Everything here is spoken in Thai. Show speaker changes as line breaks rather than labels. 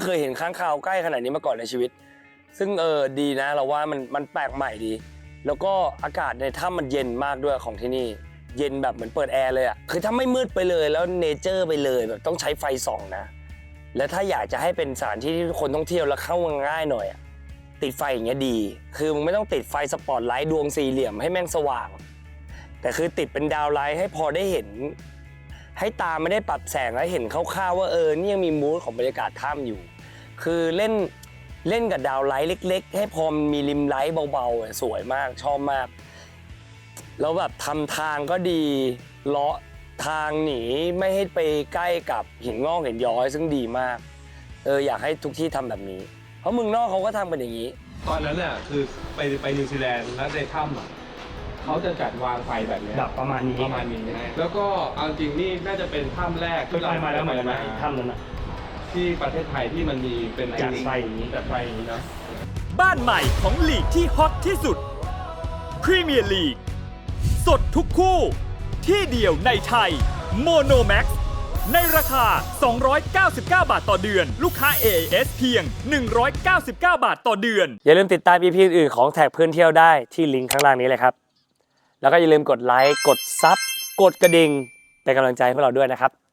เคยเห็นค้างคาวใกล้ขนาดนี้มาก่อนในชีวิตซึ่งดีนะเราว่ามันแปลกใหม่ดีแล้วก็อากาศในถ้ำมันเย็นมากด้วยของที่นี่เย็นแบบเหมือนเปิดแอร์เลยอ่ะคือถ้าไม่มืดไปเลยแล้วเนเจอร์ไปเลยแบบต้องใช้ไฟส่องนะและถ้าอยากจะให้เป็นสถานที่ที่คนท่องเที่ยวแล้วเข้าง่ายหน่อยติดไฟอย่างเงี้ยดีคือมึงไม่ต้องติดไฟสปอตไลท์ดวงสี่เหลี่ยมให้แม่งสว่างแต่คือติดเป็นดาวไลท์ให้พอได้เห็นให้ตาไม่ได้ปรับแสงแล้วเห็นคร่าวๆว่านี่ยังมีมูดของบรรยากาศถ้ำอยู่คือเล่นกับดาวไลท์เล็กๆให้พอมีริมไลท์เบาๆสวยมากชอบมากแล้วแบบทำทางก็ดีเลาะทางหนีไม่ให้ไปใกล้กับหินงอกหินย้อยซึ่งดีมากอยากให้ทุกที่ทำแบบนี้เพราะเมืองนอกเขาก็ทำกันอย่างนี้
ตอนนั้นน่ะคือไปนิวซีแลนด์แล้วในถ้ำเขาจะจัดวางไฟแบบนี้
แบบประมาณนี้
แล้วก็เอาจริงนี่น่าจะเป็นถ้ำแรก
ที่เรามาแล้วเหมือนกันถ้ำนั้น
ที่ประเทศไทยที่มันมีเป็น
จัดไฟอย่างนี้
เนาะ
บ้านใหม่ของลีกที่ฮอตที่สุดพรีเมียร์ลีกสดทุกคู่ที่เดียวในไทยโมโนแม็กซ์ในราคา299 บาทต่อเดือนลูกค้า AIS เพียง199 บาทต่อเดือน
อย่าลืมติดตาม EP อื่นของแท็กเพื่อนเที่ยวได้ที่ลิงก์ข้างล่างนี้เลยครับแล้วก็อย่าลืมกดไลค์กดซับกดกระดิ่งเป็นกำลังใจให้พวกเราด้วยนะครับ